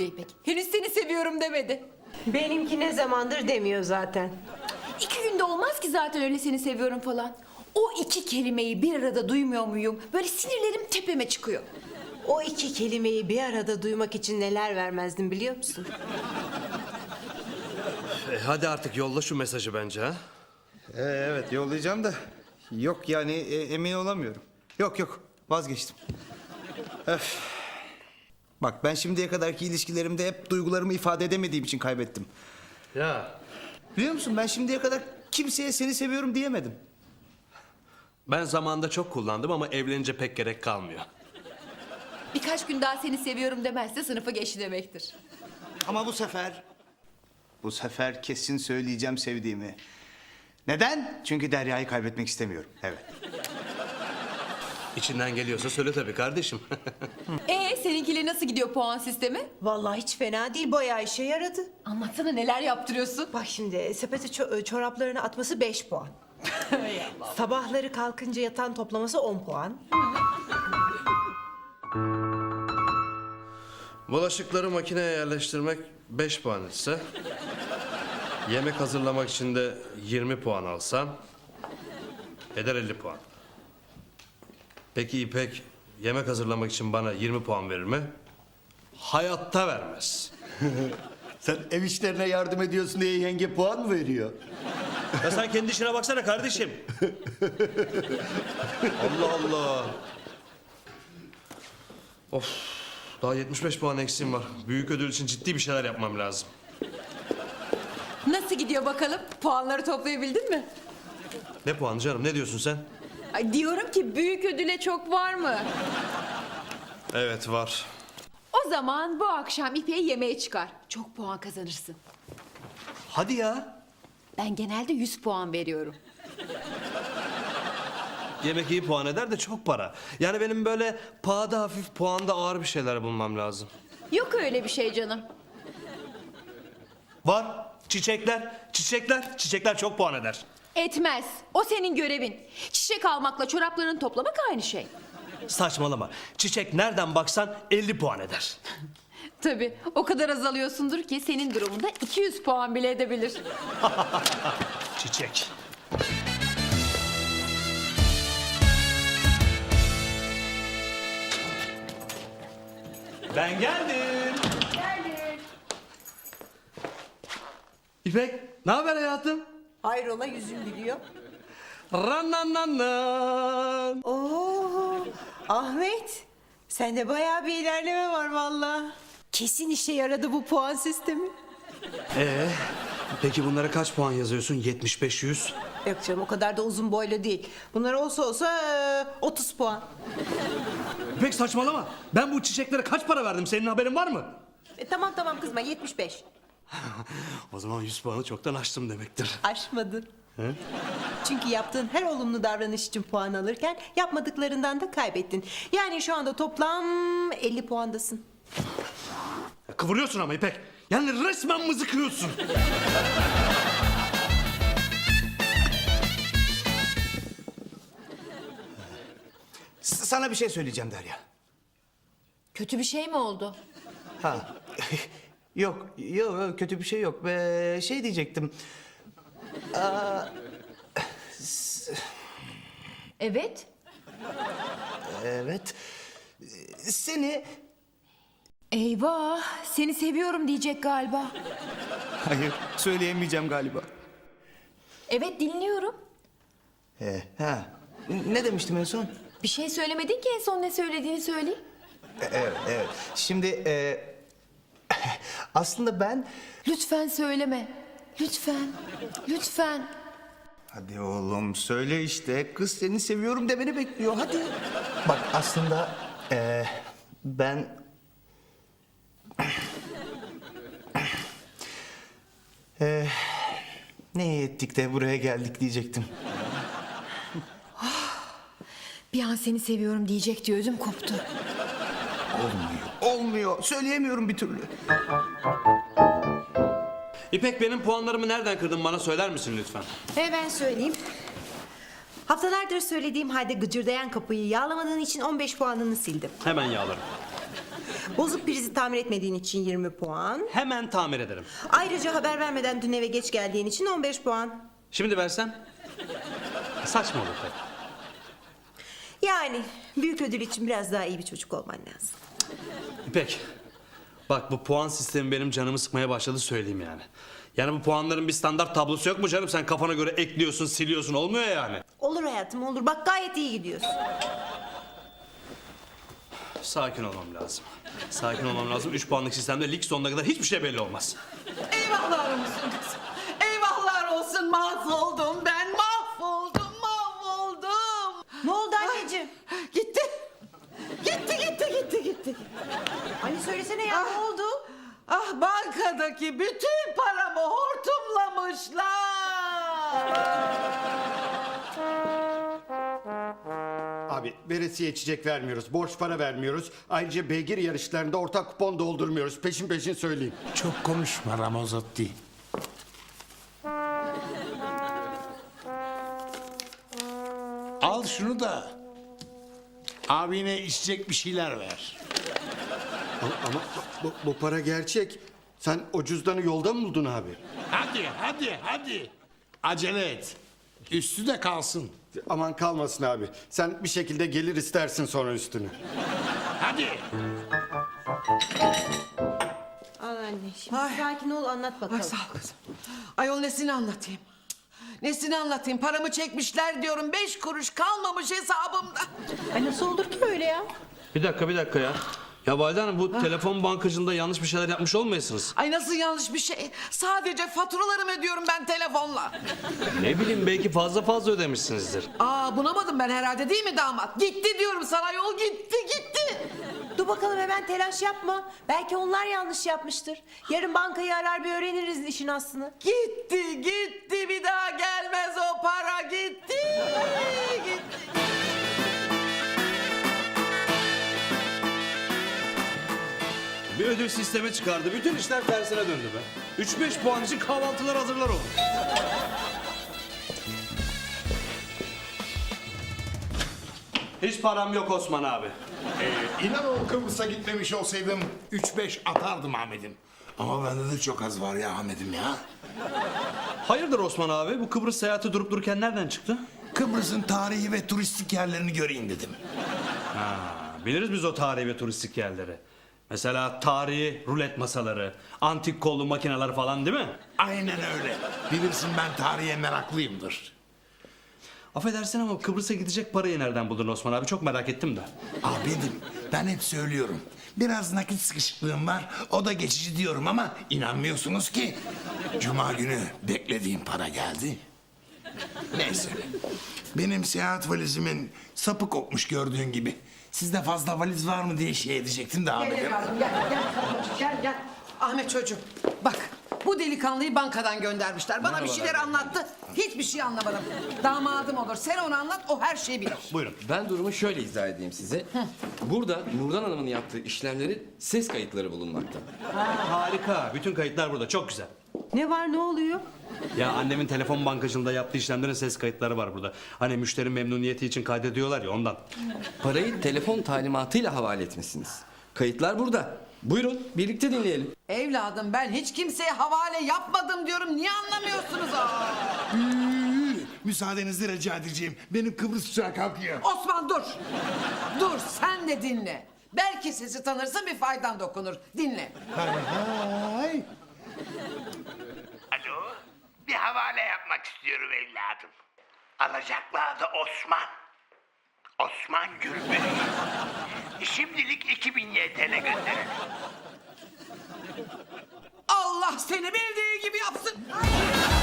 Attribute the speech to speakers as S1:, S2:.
S1: yapıyor İpek? Henüz seni seviyorum demedi.
S2: Benimki ne zamandır demiyor zaten.
S1: 2 günde olmaz ki zaten öyle seni seviyorum falan. O 2 kelimeyi bir arada duymuyor muyum? Böyle sinirlerim tepeme çıkıyor.
S2: O 2 kelimeyi bir arada duymak için neler vermezdim biliyor musun?
S3: Hadi artık yolla şu mesajı bence ha.
S4: Evet yollayacağım da yok yani emin olamıyorum. Yok vazgeçtim. Öf. Bak ben şimdiye kadarki ilişkilerimde hep duygularımı ifade edemediğim için kaybettim.
S3: Ya
S4: Biliyor musun ben şimdiye kadar kimseye seni seviyorum diyemedim.
S3: ben zamanında çok kullandım ama evlenince pek gerek kalmıyor.
S1: Birkaç gün daha seni seviyorum demezse sınıfı geçti demektir.
S4: Ama bu sefer kesin söyleyeceğim sevdiğimi. Neden? Çünkü Derya'yı kaybetmek istemiyorum. Evet.
S3: İçinden geliyorsa söyle tabii kardeşim.
S1: Seninkiyle nasıl gidiyor puan sistemi?
S2: Vallahi hiç fena değil, bayağı işe yaradı.
S1: Anlatsana neler yaptırıyorsun?
S2: Bak şimdi sepete çoraplarını atması 5 puan. Sabahları kalkınca yatan toplaması 10 puan.
S3: Bulaşıkları makineye yerleştirmek 5 puan etse... yemek hazırlamak için de 20 puan alsam... eder 50 puan. Peki İpek yemek hazırlamak için bana 20 puan verir mi? Hayatta vermez.
S4: Sen ev işlerine yardım ediyorsun diye yenge puan mı veriyor?
S3: Ya sen kendi işine baksana kardeşim. Allah Allah. Of. Daha 75 puan eksiğim var. Büyük ödül için ciddi bir şeyler yapmam lazım.
S1: Nasıl gidiyor bakalım? Puanları toplayabildin mi?
S3: Ne puanı canım? Ne diyorsun sen?
S1: Ay diyorum ki büyük ödüle çok var mı?
S3: Evet var.
S1: O zaman bu akşam İpek'i yemeğe çıkar. Çok puan kazanırsın.
S4: Hadi ya.
S1: Ben genelde 100 puan veriyorum.
S3: Yemek iyi puan eder de çok para. Yani benim böyle pahada hafif puanda ağır bir şeyler bulmam lazım.
S1: Yok öyle bir şey canım.
S3: Var. Çiçekler çok puan eder.
S1: Etmez. O senin görevin. Çiçek almakla çoraplarını toplamak aynı şey.
S3: Saçmalama. Çiçek nereden baksan 50 puan eder.
S1: Tabii o kadar azalıyorsundur ki senin durumunda 200 puan bile edebilir.
S3: Çiçek. Ben geldim. İpek, ne haber hayatım?
S2: Hayrola, yüzün gülüyor.
S3: Ranannanan.
S2: Oo, Ahmet, sende bayağı bir ilerleme var vallahi. Kesin işe yaradı bu puan sistemi.
S3: Peki bunlara kaç puan yazıyorsun? 75, 100?
S2: Yok canım, o kadar da uzun boylu değil. Bunlar olsa 30 puan.
S3: İpek saçmalama. Ben bu çiçeklere kaç para verdim? Senin haberin var mı?
S2: Tamam kızma, 75.
S3: O zaman 100 puanı çoktan aştım demektir.
S2: Aşmadın. Çünkü yaptığın her olumlu davranış için puan alırken yapmadıklarından da kaybettin. Yani şu anda toplam 50 puandasın.
S3: Kıvırıyorsun ama İpek. Yani resmen mızıkıyorsun.
S4: Sana bir şey söyleyeceğim Derya.
S1: Kötü bir şey mi oldu?
S4: Ha. Yok kötü bir şey yok. Şey diyecektim.
S1: Evet.
S4: Evet. Seni...
S1: Eyvah, seni seviyorum diyecek galiba.
S4: Hayır söyleyemeyeceğim galiba.
S1: Evet, dinliyorum.
S4: Ha. Ne demiştim en son?
S1: Bir şey söylemedin ki, en son ne söylediğini söyleyeyim.
S4: Evet. Şimdi aslında ben...
S1: Lütfen söyleme. Lütfen.
S4: Hadi oğlum söyle işte. Kız seni seviyorum demeni bekliyor. Hadi. Bak aslında ben... ne iyi ettik de buraya geldik diyecektim.
S1: Bir an seni seviyorum diyecek diye ödüm koptu.
S4: Olmuyor. Söyleyemiyorum bir türlü.
S3: İpek benim puanlarımı nereden kırdın bana söyler misin lütfen?
S2: Ben söyleyeyim. Haftalardır söylediğim halde gıcırdayan kapıyı yağlamadığın için 15 puanını sildim.
S3: Hemen yağlarım.
S2: Bozuk prizi tamir etmediğin için 20 puan.
S3: Hemen tamir ederim.
S2: Ayrıca haber vermeden dün eve geç geldiğin için 15 puan.
S3: Şimdi versem? Saçma olur tabii.
S2: Yani büyük ödül için biraz daha iyi bir çocuk olman lazım.
S3: İpek, bak bu puan sistemi benim canımı sıkmaya başladı söyleyeyim yani. Yani bu puanların bir standart tablosu yok mu canım? Sen kafana göre ekliyorsun, siliyorsun, olmuyor yani.
S2: Olur hayatım olur. Bak gayet iyi gidiyorsun.
S3: Sakin olmam lazım. Sakin olmam lazım. 3 puanlık sistemde lig sonuna kadar hiçbir şey belli olmaz.
S5: Eyvahlar olsun kızım. Eyvahlar olsun, mahvoldum ben, mahvoldum.
S2: Ne oldu anneciğim?
S5: Gitti. Gitti.
S2: Anne söylesene ya ne oldu?
S5: Ah, bankadaki bütün paramı hortumlamışlar.
S6: Abi veresiye içecek vermiyoruz, borç para vermiyoruz. Ayrıca beygir yarışlarında ortak kupon doldurmuyoruz. Peşin peşin söyleyeyim.
S7: Çok konuşma Ramazotti. Al şunu da abine içecek bir şeyler ver.
S6: Ama bu para gerçek. Sen o cüzdanı yolda mı buldun abi?
S7: Hadi. Acele et. Üstü de kalsın.
S6: Aman kalmasın abi. Sen bir şekilde gelir istersin sonra üstünü.
S7: Hadi.
S2: Al anne şimdi
S5: Ay.
S2: sakin ol anlat bakalım.
S5: Ay sağ ol kızım. Ayol nesini anlatayım? Nesini anlatayım? Paramı çekmişler diyorum. 5 kuruş kalmamış hesabımda.
S2: Ay nasıl olur ki öyle ya?
S3: Bir dakika ya. Ya Valide Hanım bu telefon bankacılığında yanlış bir şeyler yapmış olmayasınız?
S5: Ay nasıl yanlış bir şey? Sadece faturalarımı ödüyorum ben telefonla.
S3: Ne bileyim belki fazla ödemişsinizdir.
S5: Aa, bunamadım ben herhalde değil mi damat? Gitti diyorum sana, yol gitti.
S2: Dur bakalım hemen telaş yapma. Belki onlar yanlış yapmıştır. Yarın bankayı arar bir öğreniriz işin aslını.
S5: Gitti bir daha gelmez o para, gitti.
S3: Bir ödül sistemi çıkardı. Bütün işler tersine döndü be. 3-5 puan için kahvaltılar hazırlar oldu. Hiç param yok Osman abi.
S7: İnan o Kıbrıs'a gitmemiş olsaydım 3-5 atardım Ahmet'im. Ama bende de çok az var ya Ahmet'im ya.
S3: Hayırdır Osman abi? Bu Kıbrıs seyahati durup dururken nereden çıktı?
S7: Kıbrıs'ın tarihi ve turistik yerlerini göreyim dedim.
S3: Biliriz biz o tarihi ve turistik yerleri. Mesela tarihi rulet masaları, antik kollu makineler falan değil mi?
S7: Aynen öyle. Bilirsin ben tarihe meraklıyımdır.
S3: Affedersin ama Kıbrıs'a gidecek parayı nereden buldun Osman abi? Çok merak ettim de.
S7: Ahmet'im ben hep söylüyorum. Biraz nakit sıkışıklığım var. O da geçici diyorum ama inanmıyorsunuz ki. Cuma günü beklediğim para geldi. Neyse. Benim seyahat valizimin sapı kopmuş gördüğün gibi. Sizde fazla valiz var mı diye şey edecektim de
S5: Gel
S7: Ahmet'im.
S5: evladım, gel. Ahmet çocuğum, bak bu delikanlıyı bankadan göndermişler. Bana bir şeyler anlattı. Hiçbir şey anlamadım. Damadım olur. Sen onu anlat, o her şeyi bilir.
S3: Buyurun.
S8: Ben durumu şöyle izah edeyim size. Burada Nurdan Hanım'ın yaptığı işlemlerin ses kayıtları bulunmakta.
S3: Harika. Bütün kayıtlar burada. Çok güzel.
S2: Ne var ne oluyor?
S3: Ya annemin telefon bankacılığında yaptığı işlemlerin ses kayıtları var burada. Hani müşteri memnuniyeti için kaydediyorlar ya ondan.
S8: Parayı telefon talimatıyla havale etmişsiniz. Kayıtlar burada. Buyurun birlikte dinleyelim.
S5: Evladım ben hiç kimseye havale yapmadım diyorum. Niye anlamıyorsunuz?
S7: Müsaadenizle rica edeceğim. Benim Kıbrıs uçağı kalkıyor.
S5: Osman dur. Dur sen de dinle. Belki sesi tanırsın bir faydan dokunur. Dinle.
S7: Hay.
S9: Alo, bir havale yapmak istiyorum evladım. Alacaklı adı Osman. Osman Gürbüz. Şimdilik 2000 YTL gönderin.
S5: Allah seni bildiği gibi yapsın.